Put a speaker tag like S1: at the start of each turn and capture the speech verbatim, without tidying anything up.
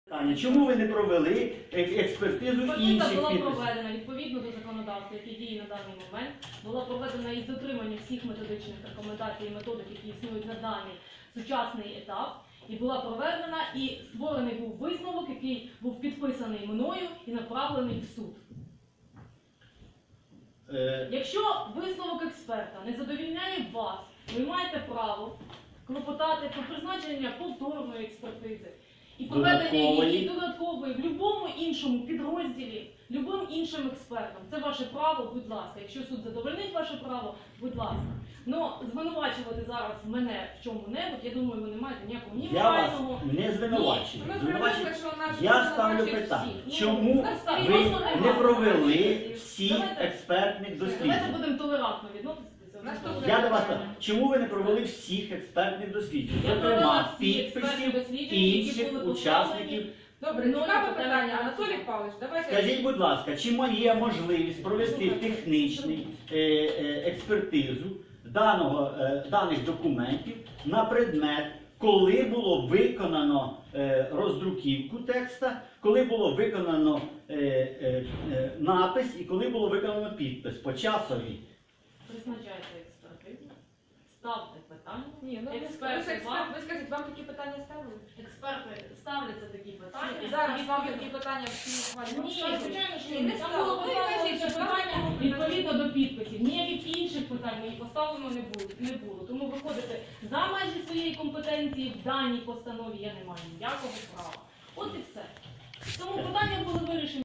S1: Чому ви не провели експертизу інших
S2: Експертиза була
S1: підписів?
S2: проведена відповідно до законодавства, яке діє на даний момент. Була проведена із дотриманням всіх методичних рекомендацій і методик, які існують на даний сучасний етап. І була проведена, і створений був висновок, який був підписаний мною і направлений в суд.
S1: Е...
S2: Якщо висновок експерта не задовільняє вас, ви маєте право клопотати про призначення повторної експертизи. І проведення її додаткової в будь-якому іншому підрозділі, любим іншим експертом. Це ваше право, будь ласка. Якщо суд задовольнить ваше право, будь ласка. Но звинувачувати зараз мене в чому-небудь, я думаю, ви не маєте ніякого ні морального...
S1: Я вас не звинувачую.
S3: Звинувачую.
S1: Я ставлю питання. Чому ви не провели всіх експертних досліджень?
S2: Давайте будемо толерантно відноситися.
S1: Я до вас кажу, чому ви не провели всіх експертних досліджень? Зокрема, підписів інших учасників.
S3: Добре, цікаве питання. Анатолій Павлович, давайте...
S1: Скажіть, будь ласка, чи є можливість провести технічну е, е, експертизу даного, е, даних документів на предмет, коли було виконано е, роздруківку текста, коли було виконано е, е, е, напис і коли було виконано підпис по часові?
S2: Призначайте експертизу, ставте питання.
S3: Ні, ну
S2: експерти,
S3: ви,
S2: вам...
S3: ви скажіть, вам такі питання ставили?
S2: Експерти ставляться такі питання.
S3: І зараз вам такі питання всі ухвалюють?
S2: Ні, звичайно, що
S3: Ні,
S2: ні.
S3: не
S2: Там
S3: ставили.
S2: було
S3: Ви
S2: поставлено
S3: кажіть,
S2: це
S3: що
S2: питання
S3: вам-
S2: відповідно до підписів. Ніяких інших питань мені поставлено не було. не було. Тому виходити за межі своєї компетенції в даній постанові я не маю ніякого права. От і все. Тому питання були вирішені.